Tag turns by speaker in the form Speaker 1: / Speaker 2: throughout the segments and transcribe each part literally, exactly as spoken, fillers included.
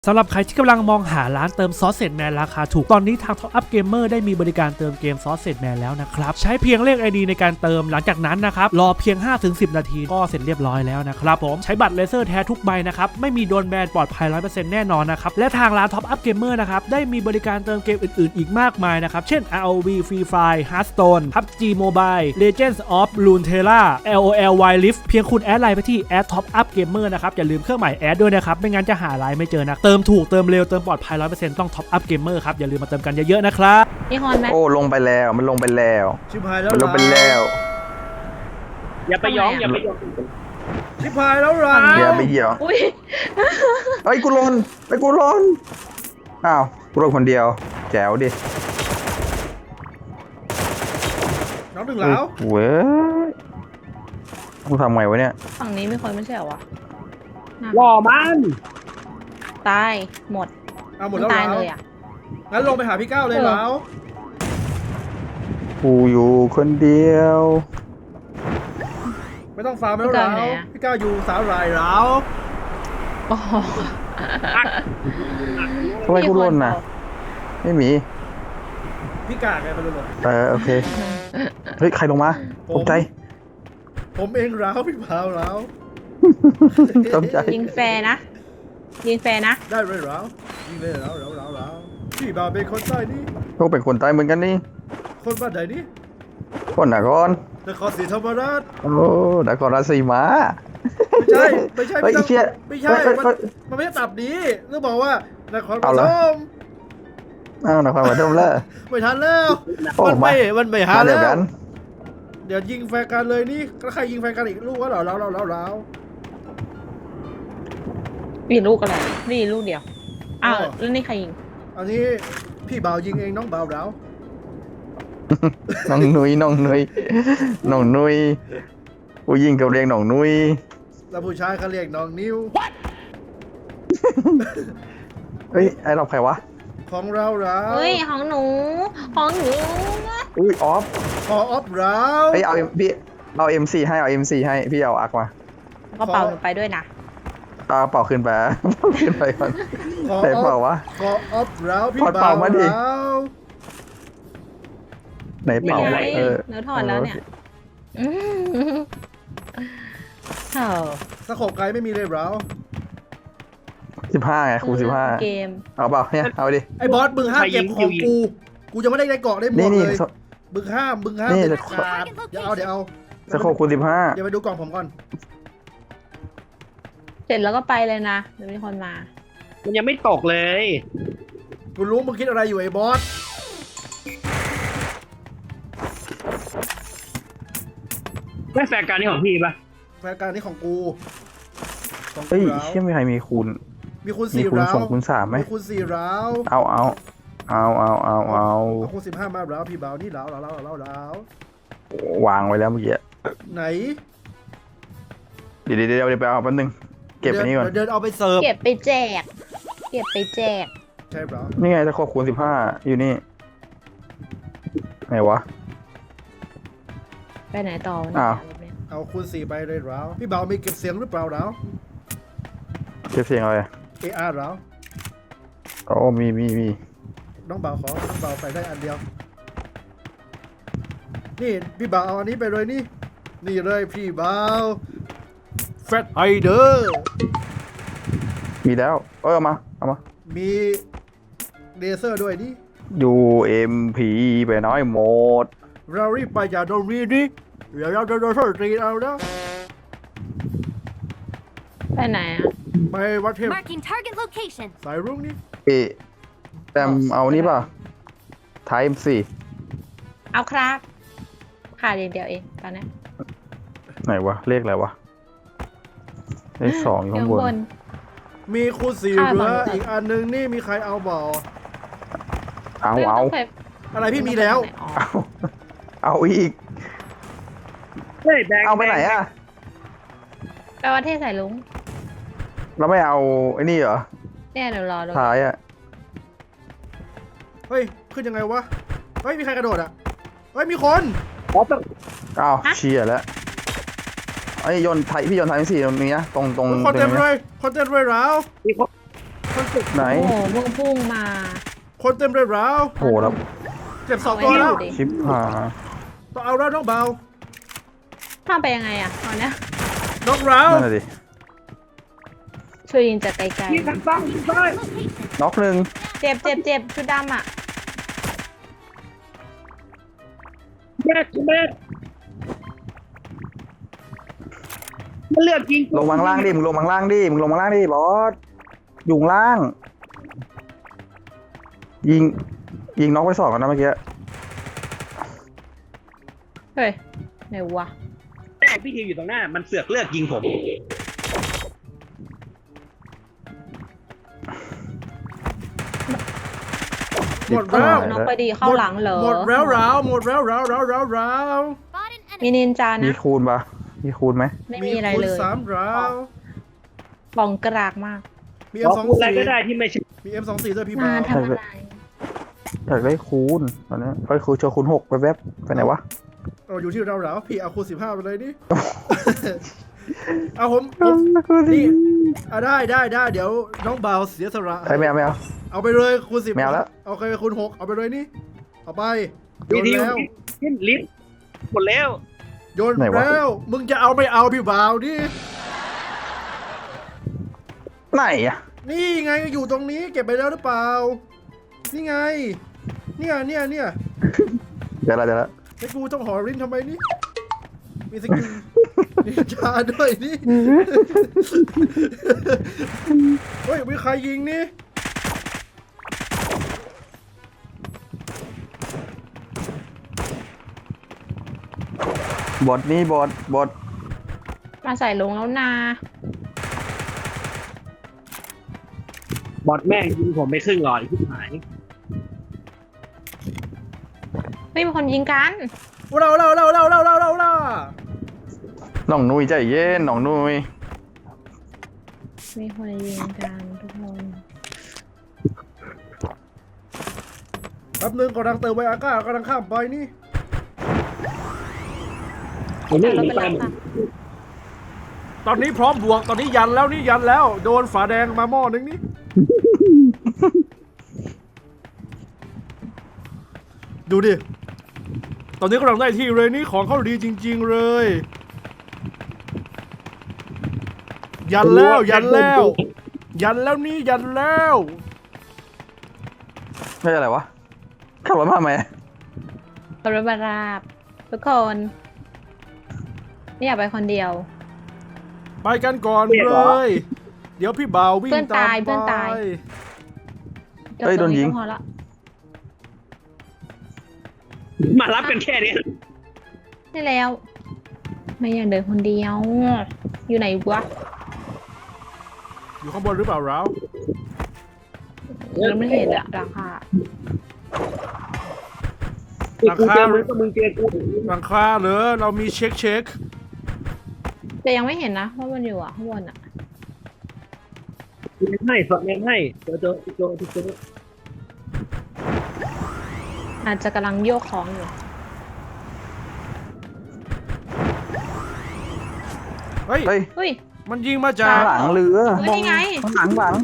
Speaker 1: สำหรับใครที่กำลังมองหาร้านเติมซอสเซจแมนราคาถูกตอนนี้ทาง Top Up Gamer ได้มีบริการเติมเกมซอสเซจแมนแล้วนะครับใช้เพียงเลข ไอ ดี ในการเติมหลังจากนั้นนะครับรอเพียง ห้าถึงสิบ นาทีก็เสร็จเรียบร้อยแล้วนะครับผมใช้บัตรเลเซอร์แท้ทุกใบนะครับไม่มีโดนแบนปลอดภัย ร้อยเปอร์เซ็นต์ แน่นอนนะครับและทางร้าน Top Up Gamer นะครับได้มีบริการเติมเกมอื่นๆอีกมากมายนะครับเช่น อาร์ โอ วี Free Fire Hearthstone พับจี Mobile Legends of Runeterra แอล โอ แอล Wild Rift เพียงคุณแอดไลน์ไปที่ แอด Top Up Gamer นะครับอย่าลืมเครื่องหมายแอดด้วยนะครับไม่งั้นจะหาไลน์ไม่เจอนะเติมถูกเติมเร็วเติมปลอดภัย ร้อยเปอร์เซ็นต์ ต้อง Top Up Gamer ครับอย่าลืมมาเติมกันเยอะๆนะครับ
Speaker 2: มีฮอนไหม
Speaker 3: โอ้ลงไปแล้วมันลงไปแล้ว
Speaker 1: ชิบหายแล้ว
Speaker 3: มันลงไปแล้ว
Speaker 4: อย่าไปย้องอย่าไปย้อง
Speaker 1: ชิบหายแล้วล่ะ
Speaker 3: อย่าไปเหยียบ
Speaker 2: อุ้ย
Speaker 3: เฮ้ยกูลนไอ้กูลนอ้าวกูลนคนเดียวแจ๋วดิ
Speaker 1: น้องถึงแล้ว
Speaker 3: เว้ยกูทำไงวะเนี่ย
Speaker 2: ฝั่งนี้มีคนไม่ใช่เหรอวะ
Speaker 4: หล่อมัน
Speaker 2: ตายหมด
Speaker 1: เอาหมดแล้ว
Speaker 2: ตายเลยอ่ะ
Speaker 1: งั้นลงไปหาพี่ก้าวเลยแล้ว
Speaker 3: กูอยู่คนเดียว
Speaker 1: ไม่ต้องฟาร์มแล้วแล้วพี่ก้าวอยู่สาวรายแล้ว
Speaker 3: ทำไมกูลนน่ะไม่มี
Speaker 1: พี่กาไงไปลง
Speaker 3: เออโอเคเฮ้ยใครลงมาตกใจ
Speaker 1: ผมเองแล้วพี่พาวแล้ว
Speaker 3: ตกใจ
Speaker 2: ยิงแฟร์นะยิงแฟร์นะ
Speaker 1: ได้เลยแล้วยิงเลยแล้วแล้วแล้วแล้วพี่บ่าวเป็นคนใต้นี่
Speaker 3: พวกเป็นคนใต้เหมือนกันนี่
Speaker 1: คนบ้านไหนนี่
Speaker 3: คนนคร
Speaker 1: นครศรีธรรมราช
Speaker 3: โอ้นครราชสีมา
Speaker 1: ไม่ใช่ไม่ใช่ไม่ใช่ไม่ใช่มันไม่ใช่ตับดีเรื่องบอกว่านครปฐม
Speaker 3: อ้าวนครปฐมแล้ว
Speaker 1: ไม่ทันแล้วมันไม่มันไม่ทันแล้วเดี๋ยวยิงแฟนกันเลยนี่ก็ใครยิงแฟนกันอีกลูกวะเหรอแล้วแล้วแล้วแล้ว
Speaker 2: มีลูกอะไรนี่ลูกเดียวอ้าวแล้วนี่ใครยิง
Speaker 1: อันนี้พี่บ่าวยิงเองน้องบ่าวแล้ว
Speaker 3: น้องนุ้ยน้องนุ้ยน้องนุ้ยผู้หญิงเขาเรียกน้องนุ้ย
Speaker 1: แล้วผู้ชายเขาเรียกน้องนิ้ว
Speaker 3: เฮ้ยไอ้เราใครวะ
Speaker 1: ของเราเรา
Speaker 2: เฮ้ยของหนูของหนู
Speaker 3: อุ้ยออฟ
Speaker 1: ขอออฟเรา
Speaker 3: เฮ้ยเอาพี่เอา เอ็ม โฟร์ ให้เอา เอ็ม โฟร์ ให้พี่เอาอักมา
Speaker 2: ก็เป่าไปด้วยนะ
Speaker 3: เอาเป่าขึ้นไปขึ้นไปก่อนไหนเป่าวะ
Speaker 1: ขอออฟเราพี่บ่าว
Speaker 3: มาดิไหนเป่า
Speaker 2: เออเนื้อทอดแล้วเนี่ยเออ
Speaker 1: สโคปไกด์ไม่มีเลยเรา
Speaker 3: สิบห้าไงครูสิบห้า
Speaker 2: เกม
Speaker 3: เอาเปล่าเนี่ยเอาดิ
Speaker 1: ไอ้บอสบึงห้าเก็บของกูกูจะไม่ได้ได้เกาะได้หมดเลยบึงห้าบึงห้าเด็ดขาดเดี๋ยวเอาเดี๋ยวเอา
Speaker 3: สโคปครูสิบห้า
Speaker 1: เดี๋ยวไปดูกล่องผมก่อน
Speaker 2: เสร็จแล้วก็ไปเลยนะเดี๋ยวมีคนมา
Speaker 4: มันยังไม่ตกเลย
Speaker 1: กูรู้มึงคิดอะไรอยู่ไอ้บอส
Speaker 4: แม่แฟนการนี่ของพี่ปะ
Speaker 1: แฟนการนี่ของกู
Speaker 3: เฮ้ยเชื่อมีใครมีคูณ
Speaker 1: มีคูณสี่ร้าว
Speaker 3: มีคูณสามไหม
Speaker 1: มีคูณสี่ร้าว
Speaker 3: เอาเอาเอาเอาเอาเอา
Speaker 1: คูณสิบห้ามาแล้วพี่บ่าวนี่แล้วแล้วแล้วแล้ว
Speaker 3: วางไว้แล้วเมื่อกี้
Speaker 1: ไหน
Speaker 3: เดี๋ยวเดี๋ยวเดี๋ยวไปเอาแป๊บนึงเก็บไปนี่ก่อน
Speaker 1: เดินเอาไปเสิร์ฟ
Speaker 2: เก็บไปแจกเก็บไปแจก
Speaker 1: ใช่เปล่า
Speaker 3: นี่ไงจะขอคูณสิบห้าอยู่นี่ไหนวะ
Speaker 2: ไปไหนต่อ
Speaker 3: อ้าว
Speaker 1: เอาคูณสี่ไปเลยแล้วพี่บ่าวมีเก็บเสียงหรือเปล่าแล้ว
Speaker 3: เก็บเสียงอะไร
Speaker 1: เอ อาร์ แล้ว
Speaker 3: อ๋อมีมีมี
Speaker 1: น้องบ่าวขอน้องบ่าวใส่ได้อันเดียวนี่พี่บ่าวเอาอันนี้ไปเลยนี่นี่เลยพี่บ่าวแฟตไฮเดอร์
Speaker 3: มีแล้วเออมาเอามา
Speaker 1: มีเลเซอร์ด้วยนี่
Speaker 3: ยู เอ็ม พี ไปน้อยหมด
Speaker 1: เรารีบไปจากตรงนี้นี่เดี๋ยวเราจะโดนโทษตีเอาแล้ว
Speaker 2: ไปไหนอ่ะ
Speaker 1: ไปวัดเทพสายรุ่งนี่
Speaker 3: เอแอมเอานี่ป่ะไทม์สี่
Speaker 2: เอาครับขาดเดียวเองตอนนี้
Speaker 3: ไหนวะเลขอะไรวะเลขสองอยู่ข้างบน
Speaker 1: มีคูณสี่เหลืออีกอันนึงนี่มีใครเอาบ่
Speaker 3: เอาเอา
Speaker 1: อะไรพี่มีแล้ว
Speaker 3: เอาเอาอีกเอาไปไหนอ่ะ
Speaker 2: ไปวัดเทพสายลุง
Speaker 3: เราไม่เอาไอ้นี่เหรอ
Speaker 2: เนี่ยเดี๋ยวรอ
Speaker 3: ท้ายอ่ะ
Speaker 1: เฮ้ยขึ้นยังไงวะเฮ้ยมีใครกระโดดอ่ะเฮ้ยมีคน
Speaker 3: อ้าวเชียร์แล้วไอ้ยนไทยพี่ยนไทยสี่ตรงนี้นะตรงตรง
Speaker 1: คนเต็มเลยคนเต็มเลยแล้วมันเจ็บ
Speaker 3: ไหน
Speaker 2: โอ้โหมึงพุ่งมา
Speaker 1: คนเต็มเลยแล้ว
Speaker 3: โหแล้ว
Speaker 1: เจ็บสองตัวแล้ว
Speaker 2: เอาไว้ดูดิ
Speaker 3: ชิปหา
Speaker 1: ต้องเอาแล้วน้องเบา
Speaker 2: ข้ามไปยังไงอะตอนเนี้ย
Speaker 1: น้องเรา
Speaker 3: นั่นแหละดิ
Speaker 2: ช่วยยิงจากไกล
Speaker 4: ยิงทางซ้ายยิงซ้าย
Speaker 3: น็อกหนึ่ง
Speaker 2: ๆเจ็บเจ็บเจ็บชุดดำอะ
Speaker 4: แม่กูแม่มันเลือกยิง
Speaker 3: ลงมาข้างล่างดิมึงลงมาข้างล่างดิมึงลงมาข้างล่างดิบอสอยู่ข้างล่าง ยิง ยิงน็อกไปสองกันนะเมื่อกี้
Speaker 2: เฮ้ยไหนวะ
Speaker 4: แม่พี่ทีอยู่ตรงหน้ามันเสือกเลือกยิงผม
Speaker 1: หมดแล้ว
Speaker 2: น้องไปดีเข้าหลังเหรอ
Speaker 1: หมดแล้วราวหมดแล้วราวราวราวราว
Speaker 2: มีนินจา
Speaker 3: มี
Speaker 2: นะ
Speaker 3: คูณปะมีคูณไหม
Speaker 2: ไม่มีอะไร
Speaker 1: คูณ
Speaker 2: เลย
Speaker 1: สามราว
Speaker 2: ปองกรากมาก
Speaker 1: มี
Speaker 4: ข
Speaker 1: เอ็
Speaker 4: อ
Speaker 1: มสอง
Speaker 4: พูดอะไร
Speaker 1: สี่
Speaker 4: ก็ได้ที่ไม่ใช่
Speaker 1: มีเอ็มสองสี่ด้วยพี่
Speaker 2: มา
Speaker 1: บ่าว
Speaker 2: ทำอะไร
Speaker 3: อยากได้คูณตอนนี้เอ้ยคูณเจอคูณหกไปแวบไปไหนวะ
Speaker 1: เราอยู่ที่เราราวพี่เอาคูณสิบห้าไปเลยดิ เอาผมผมนี่อ่ะได้ได้ได้เดี๋ยวน้องเบาเสียสละ
Speaker 3: ใครไม่เอาไม่เอา
Speaker 1: เอาไปเลยคูณสิบ
Speaker 3: ไม่เอาแล้ว
Speaker 1: เอาไปคูณหกเอาไปเลยนี่เอาไปโย
Speaker 4: พี่
Speaker 1: น
Speaker 4: ที
Speaker 1: แล้ว
Speaker 4: ขึ้นลิฟต์หมดแล้ว
Speaker 1: โยนแล้วมึงจะเอาไม่เอาพี่บ่าวดิ
Speaker 3: ไหนอะ
Speaker 1: นี่ไงอยู่ตรงนี้เก็บไปแล้วหรือเปล่า นี่ไง เนี่ยเนี่ยเนี่ย
Speaker 3: เดี๋ยวละเดี๋ยวละ
Speaker 1: ไอ้กูต้องหอริ้นทำไมนี่ มีสกิลนินจาด้วยนี่ เฮ้ยมีใครยิงนี่
Speaker 3: บอดนี่บอดบอด
Speaker 2: มาใส่ลงแล้วนา
Speaker 4: บอดแม่งยิงผมไปครึ่งหลอดที่หาย
Speaker 2: ไม่มีคนยิงกัน
Speaker 1: เราเราเราเราเราเราเราเรา
Speaker 3: น้องนุ้ยใจเย็นน้องนุ้ย
Speaker 2: มีคนยิงกันทุกคน
Speaker 1: แป๊บนึงกำลังเติมไวอาก้ากำลังข้ามไปนี่
Speaker 4: ผมนี่
Speaker 2: รถ
Speaker 4: หนี
Speaker 2: ไป
Speaker 4: ไป
Speaker 2: รับค่ะ
Speaker 1: ตอนนี้พร้อมบวก ตอนนี้ยันแล้วนี่ยันแล้ว โดนฝาแดงมาหม้อนึงนี่ ดูดิ ตอนนี้กำลังได้ที่เลยนี่ของเขาดีจริง ๆเลย ยันแล้วยันแล้ว ยันแล้วนี่ยันแล้ว
Speaker 3: ไม่ใช่อะไรวะขับรถมาทำไม
Speaker 2: รถบาราบทุกคนไม่อยากไปคนเดียว
Speaker 1: ไปกันก่อนเลย เดี๋ยวพี่บ่าววิ่ง
Speaker 2: เพื่อน
Speaker 1: ตาม
Speaker 2: ตาย
Speaker 1: ไป
Speaker 2: เพื่อนตาย จบ
Speaker 3: เอ้ย
Speaker 2: ตรง
Speaker 3: โดนยิง
Speaker 2: ก็พอละ
Speaker 4: มารับกันแค่นี้
Speaker 2: ได้แล้ว ไม่อยากเดินคนเดียว อยู่ไหนวะ
Speaker 1: อยู่ข้างบนหรือเปล่าเรา
Speaker 2: เราไม่เห็นอะราคา
Speaker 4: กูเจอมึงก็มึงเจอกู
Speaker 1: หลังคาเหรอเรามีเช็คเช็ค
Speaker 2: แต่ยังไม่เห็นนะว่ามันอยู่อะข้างบนอะ
Speaker 4: เมนให้สดเมนให้เจอเจอเจอเจอ
Speaker 2: อาจจะกำลังโยกของอยู่
Speaker 1: เฮ้ย
Speaker 3: เฮ้ย
Speaker 2: เฮ้ย
Speaker 1: มันยิงมาจา
Speaker 3: ข้าก งหลังเรือ
Speaker 2: เฮ้ยนี่ไง
Speaker 3: ข้างหลังหลัง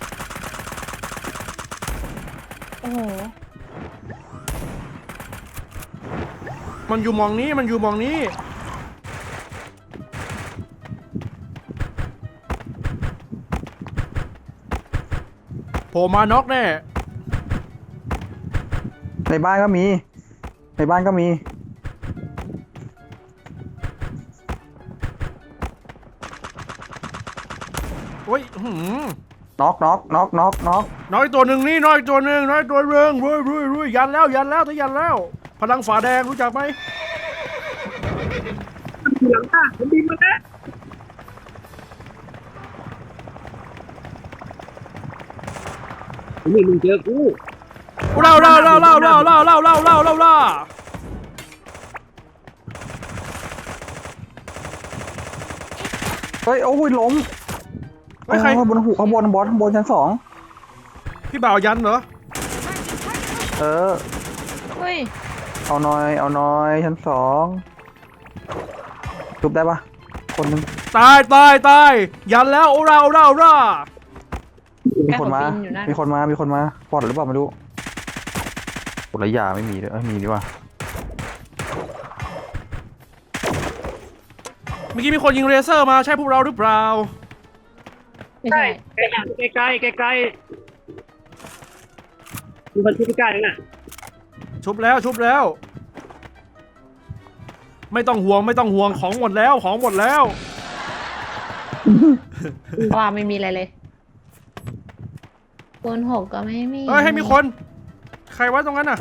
Speaker 2: โอ้โห
Speaker 1: มันอยู่หมองนี้มันอยู่หมองนี้ โผล่มาน็อกแน่
Speaker 3: ในบ้านก็มี ในบ้านก็มี
Speaker 1: โอ้ยอื้อหือ
Speaker 3: น็อกน็อกน็อกน็อกน็อก
Speaker 1: น้อยตัวหนึ่งนี่น้อยตัวหนึ่งน้อยตัวเรืองรุยรุยรุยยันแล้วยันแล้วถ้ายันแล้ว พลังฝาแดงรู้จักไหม
Speaker 4: หลังคาผมบินมาแล้วนี่มึงเจอกู
Speaker 1: เล่าเล่าเล่าเล่าเล่าเล่าเล่าเล่าเล่าเล่าเล่า
Speaker 3: เฮ้ยโอ้ยล้ม
Speaker 1: เฮ้ยใคร
Speaker 3: ข้างบนหูข้างบนบอสข้างบนชั้นสอง
Speaker 1: พี่บ่าวยันเหรอ
Speaker 3: เออ
Speaker 2: เฮ้ย
Speaker 3: เอาหน่อยเอาหน่อยชั้นสองจุบได้ปะคนหนึง
Speaker 1: ตายตายตายยันแล้วโอราโอราโอรา
Speaker 3: มีคนมา
Speaker 2: แป้งของปีนอยู่นั่น
Speaker 3: มีคนมา มีคนมาปลอดหรือเปล่าไม่รู้กดระยาไม่มีเลยเอ้ยมีดีว่า
Speaker 1: เมื่อกี้มีคนยิงเรเซอร์มาใช่พวกเราหรือเปล่า
Speaker 2: ไม่ใช่
Speaker 4: ใกล้ใกล้ใกล้ใกล้มีคนที่ใกล้ๆน่ะ
Speaker 1: ชุบแล้วชุบแล้ว ไม่ต้องห่วงไม่ต้องห่วงของหมดแล้วของหมดแล้ว
Speaker 2: ว่าไม่มีอะไรเลยคูณหกก็ไม่มี
Speaker 1: เฮ้ยให้มีคน ใครวะตรงนั้นน่ะ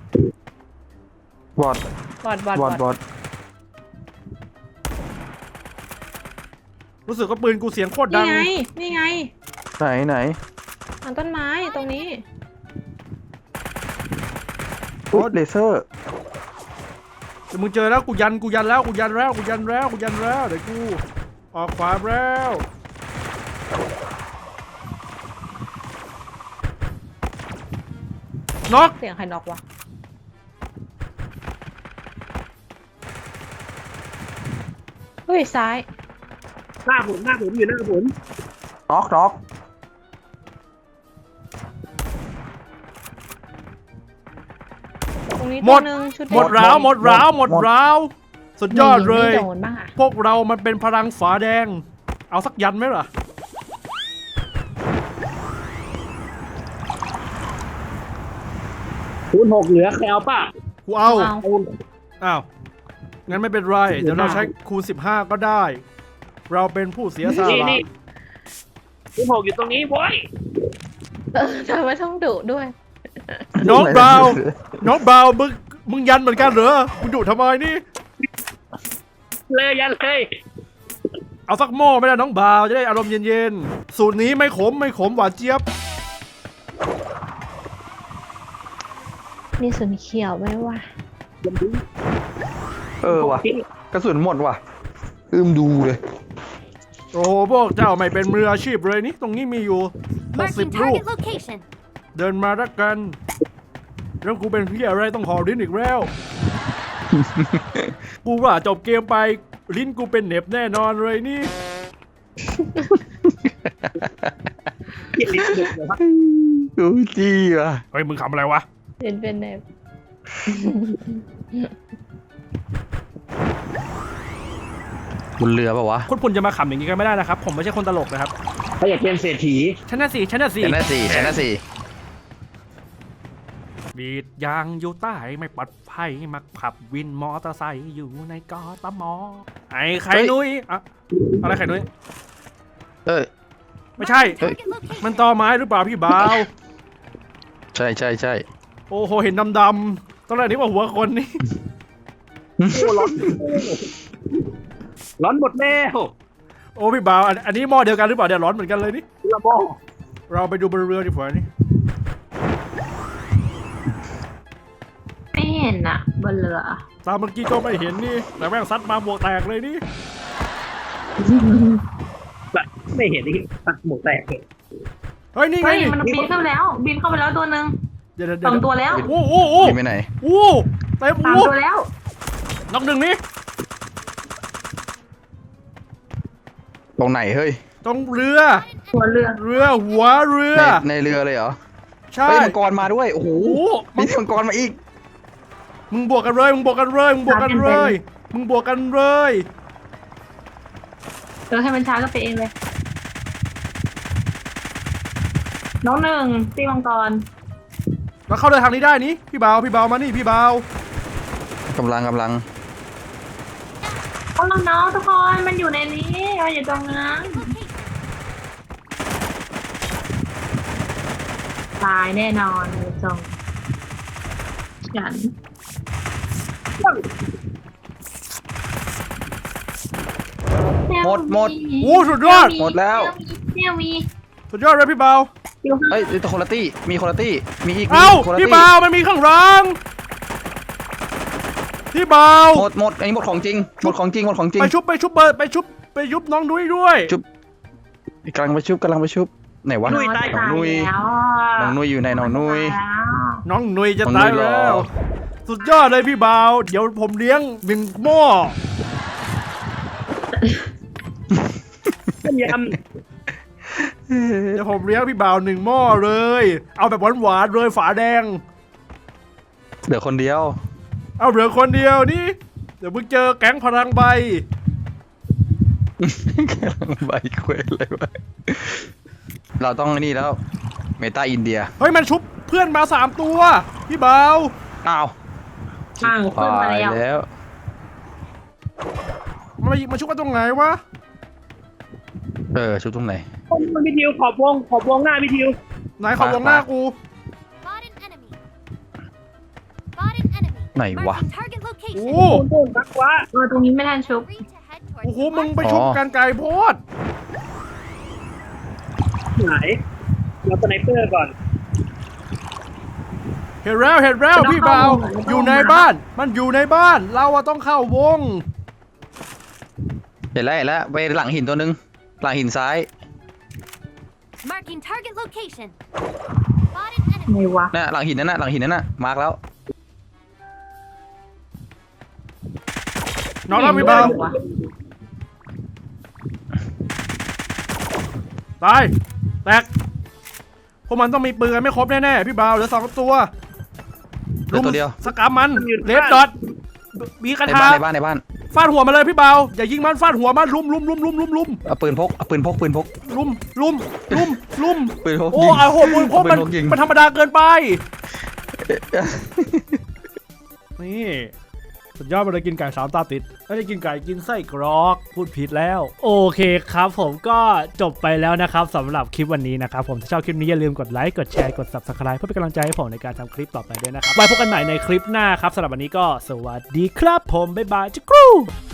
Speaker 3: บอด
Speaker 2: บอดบอด
Speaker 3: บบ อ
Speaker 2: อ
Speaker 3: ด
Speaker 2: ด
Speaker 3: บอด
Speaker 1: รู้สึกว่าปืนกูเสียงโคตรดั
Speaker 2: นี่
Speaker 1: ง
Speaker 2: ไง นี่ไง
Speaker 3: ไหนไหน
Speaker 2: หลังต้นไม้ตรงนี้
Speaker 3: อุ๊ยเลเซอร์
Speaker 1: เดี๋ยวมึงเจอแล้วกูยันกูยันแล้วกูยันแล้วกูยันแล้วกูยันแล้วเดี๋ยวกูออกขวาแล้วน็อก
Speaker 2: เสียงใครน็อกวะ เฮ้ย ซ้าย
Speaker 4: หน้าผมหน้าผมอยู่หน้าผม
Speaker 3: น็อกน็อก
Speaker 2: ตรงนี้
Speaker 1: หม
Speaker 2: ตัว
Speaker 1: ด
Speaker 2: หนึ่งชุด
Speaker 1: หมดร้าวหมดร้าวหมดร้าวสุดยอดเลย
Speaker 2: ไม่โดนบ้างอะ
Speaker 1: พวกเรามันเป็นพลังฝาแดง เอาสักยันไหมล่ะ
Speaker 4: คูณหกเหลือใครเอาป่ะ
Speaker 1: กูเอา
Speaker 2: เอา
Speaker 4: คูณ
Speaker 1: อ้าว งั้นไม่เป็นไร เดี๋ยวเราใช้คูณสิบห้าก็ได้ เราเป็นผู้เสียส
Speaker 4: นี่
Speaker 1: ละ
Speaker 4: นี่คูณหกอยู่ตรงนี้โว้ย
Speaker 2: เออทำไมต้องดุด้วย
Speaker 1: น้องเบาน้องเบามึง มึงยันเหมือนกันเหรอ มึงดุทำไมนี่
Speaker 4: เลยยันเลย
Speaker 1: เอาสักหม้อไม่ได้น้องบ่าวจะได้อารมณ์เย็นๆ สูตรนี้ไม่ขมไม่ขมหวานเจี๊ยบ
Speaker 2: มีส่วนเขียวไหมวะ
Speaker 3: เออว่ะกระสุนหมดว่ะอืมดูเลย
Speaker 1: โอ้โหพวกเจ้าไม่เป็นมืออาชีพเลยนี่ตรงนี้มีอยู่หกสิบ
Speaker 5: Marking
Speaker 1: ลูก
Speaker 5: target location.
Speaker 1: เดินมารักกัน แล้วกูเป็นพี่อะไรต้องหอลิ้นอีกแล้ว กูว่าจบเกมไปลิ้นกูเป็นเหน็บแน่นอนเลยนี่
Speaker 4: เกียรติเด็กเลยครับ
Speaker 3: ดูจี้ว่ะ
Speaker 1: เฮ้ยมึงขำอะไรวะ
Speaker 2: เป็นเป็นแบบ
Speaker 3: บนเรือป่าวะ
Speaker 1: คุณคุณจะมาขำอย่างนี้กันไม่ได้นะครับ ผมไม่ใช่คนตลกนะครับ
Speaker 4: เขาอยากเป็นเศรษฐี
Speaker 1: ฉันน่ะสิฉันน่ะสิ
Speaker 3: ชนะสี่ชนะสี่
Speaker 1: บีดยางอยู่ใต้ไม่ปลอดภัยมาขับวินมอเตอร์ไซค์อยู่ในกอตมอไอ้ไข่นุ้ยอะอะไรไข่นุ้ย
Speaker 3: เอ้ย
Speaker 1: ไม่ใช่
Speaker 5: Target location.
Speaker 1: มันตอไม้หรือเปล่าพี่บ่าว
Speaker 3: ใช่ใช่ใช่
Speaker 1: โอ้โหเห็นดำๆตอนแรกนึกว่าหัวคนนี่
Speaker 4: โอ้ร้อนร้อนหมดแล้ว
Speaker 1: โอ้พี่บ่าวอันอันนี้หม้อเดียวกันหรือเปล่าเดี๋ยวร้อนเหมือนกันเลยนี่
Speaker 4: ละโม
Speaker 1: เราไปดูบนเรือดีกว่านี่
Speaker 2: ไม่เห็นอะบนเรือ
Speaker 1: ตามเมื่อกี้ก็ไม่เห็นนี่แต่แม่งซัดมาบวกแตกเลยนี่
Speaker 4: แบบไม่เห็นนี่ตักหมวกแตกเลย
Speaker 1: เฮ้ยนี่ไง
Speaker 6: เฮ้ย
Speaker 1: นี่
Speaker 6: มันบินเข้าไปแล้ว บินเข้าไปแล้วตัวหนึ่ง
Speaker 1: เดี๋ยวเดี๋ยว
Speaker 6: ส
Speaker 1: เดี๋
Speaker 6: อง
Speaker 1: ยว
Speaker 6: ตัวแล้ว
Speaker 1: โอ้โอ้โอ้
Speaker 3: ยิงไปไหน
Speaker 1: โอ้เต็ม
Speaker 6: สาม
Speaker 1: โอ้
Speaker 6: ตัวแล้ว
Speaker 1: น็อกหนึ่งนี่
Speaker 3: ตรงไหนเฮ้ย
Speaker 1: ตรงเรือ
Speaker 6: หัวเรือ
Speaker 1: เรือหัวเรือ
Speaker 3: ในในเรือเลยเหรอ
Speaker 1: ใช่
Speaker 3: เฮ้ยมังกรมาด้วยโอ้โห
Speaker 1: โอ้
Speaker 3: มีมังกรมาอีก
Speaker 1: มึงบวกกันเลยมึงบวกกันเลยมึงบวกกันเลยมึงบวกกันเลย
Speaker 6: เออให้มันช้าก็ไปเองเลย น้องหนึ่งตีมังกร
Speaker 1: เราเข้าเดินทางนี้ได้นี่พี่บ่าวพี่บ่าวมานี่พี่บ่าว
Speaker 3: กำลังกำลัง
Speaker 6: เอาน้องๆทุกคนมันอยู่ในนี้มันอยู่ตรงนั้น ตายแน่นอนเลยจงฉัน
Speaker 3: หมดหมด
Speaker 1: โอ้สุดยอด
Speaker 3: หมดแล้ว
Speaker 6: เนี่ยมี
Speaker 1: สุดยอดเลยพี่บ่าว
Speaker 6: อยู่ข้าง
Speaker 3: เฮ้ยตัวคนละตี้มีคนละตี้มีอีก
Speaker 1: เอ้า
Speaker 3: คนละ
Speaker 1: พี่
Speaker 3: ตี้
Speaker 1: บ่าวมันมีข้างหลังพี่บ่าว
Speaker 3: หมดหมดอันนี้หมดของจริงหมดของจริงหมดของจริง
Speaker 1: ไปชุบไปชุบเบิร์ดไปชุบไปยุบน้องนุ้ยด้วย
Speaker 3: ชุบ กำลังไปชุบกำลังไปชุบไหนวะ
Speaker 6: น้อยตาย
Speaker 3: น้องนุ้ย
Speaker 6: แล้ว
Speaker 3: น้องนุ้ยอยู่ไหนน้องนุ้ย
Speaker 6: ตาแล้ว
Speaker 1: น้องนุ้ยจะ
Speaker 3: น้องนุ้
Speaker 1: ตาย
Speaker 3: ยรอ
Speaker 1: แล้ว สุดยอดเลยพี่บ่าวเดี๋ยวผมเลี้ยงหนึ่งหม้อ
Speaker 4: ต้มย
Speaker 1: เดี๋ยวผมเลี้ยงพี่บ่าวหนึ่งหม้อเลย เอาแบบหวานๆเลยฝาแดง
Speaker 3: เดี๋ยวคนเดียว
Speaker 1: เอาเหลือคนเดียวนี่เดี๋ยวมึงเจอแก๊งพลังใบ
Speaker 3: กำลังใบเควสเลยวะเราต้องนี่แล้ว เมตาอินเดีย
Speaker 1: เฮ้ยมันชุบเพื่อนมาสามตัว พี่บ่าว
Speaker 3: อ้าว
Speaker 6: อ้าวขึ้นมาแล้ว
Speaker 3: แล้ว
Speaker 1: มันมามาชุบกันตรงไหนวะ
Speaker 3: เออชุดตรงไหน
Speaker 4: มันพี่ทิวขอบวงขอบวงหน้าพี่ทิว
Speaker 1: ไหนขอวงหน้ากู
Speaker 5: Spot an enemy. Spot an enemy.
Speaker 3: ไหนวะ
Speaker 5: Marking target
Speaker 1: โอ้
Speaker 5: location.
Speaker 4: โน่นนักวะ
Speaker 6: เออตรงนี้ไม่ทันชุบ
Speaker 5: Three to head
Speaker 1: โอ้
Speaker 5: towards
Speaker 1: โห
Speaker 5: the
Speaker 1: มึง
Speaker 5: mark.
Speaker 1: ไปชุบกันไกลโพด
Speaker 4: ไหนเราสไนเปอร์ก่อน
Speaker 1: เห็นแล้วเห็นแล้วพี่บ่าวอยู่ในบ้าน มันอยู่ในบ้าน เราอะต้องเข้าวง
Speaker 3: เห็นแล้วเห็นแล้วไปหลังหินตัวนึง หลังหินซ้าย
Speaker 5: Marking target location. Spot an enemy.
Speaker 6: ไงวะ
Speaker 3: น่ะหลังหินนั่นน่ะหลังหินนั่นน่ะมาร์กแล้ว
Speaker 1: น้องรับพี่บ่าว
Speaker 6: วะ
Speaker 1: ตายแตกพวกมันต้องมีปืนกันไม่ครบแน่ๆพี่บ่าวเหลือสองตัว
Speaker 3: เหลือตัวเดียว
Speaker 1: สกัมมันเลดดอทมีกระ
Speaker 3: ใน
Speaker 1: ทา
Speaker 3: บ้านในบ้านในบ้าน
Speaker 1: ฟาดหัวมาเลยพี่บ่าวอย่ายิงมันฟาดหัวมันลุมลุมลุมลุมลุมลุม
Speaker 3: เอาปืนพกเอาปืนพกปืนพก
Speaker 1: ลุมลุมลุมลุม
Speaker 3: ปืนพก
Speaker 1: โอ้
Speaker 3: ยิง
Speaker 1: ไอ้โหปืนพกมัน
Speaker 3: ปืนพกยิง
Speaker 1: มันธรรมดาเกินไปนี่สุดยอดไปเลยกินไก่สามตาติดไม่ได้กินไก่กินไส้กรอกพูดผิดแล้วโอเคครับผมก็จบไปแล้วนะครับสำหรับคลิปวันนี้นะครับผมถ้าชอบคลิปนี้อย่าลืมกดไลค์กดแชร์กด ซับสไครบ์ เพื่อเป็นกำลังใจให้ผมในการทำคลิปต่อไปด้วยนะครับไว้พบกันใหม่ในคลิปหน้าครับสำหรับวันนี้ก็สวัสดีครับผมบ๊ายบายจุ๊กรู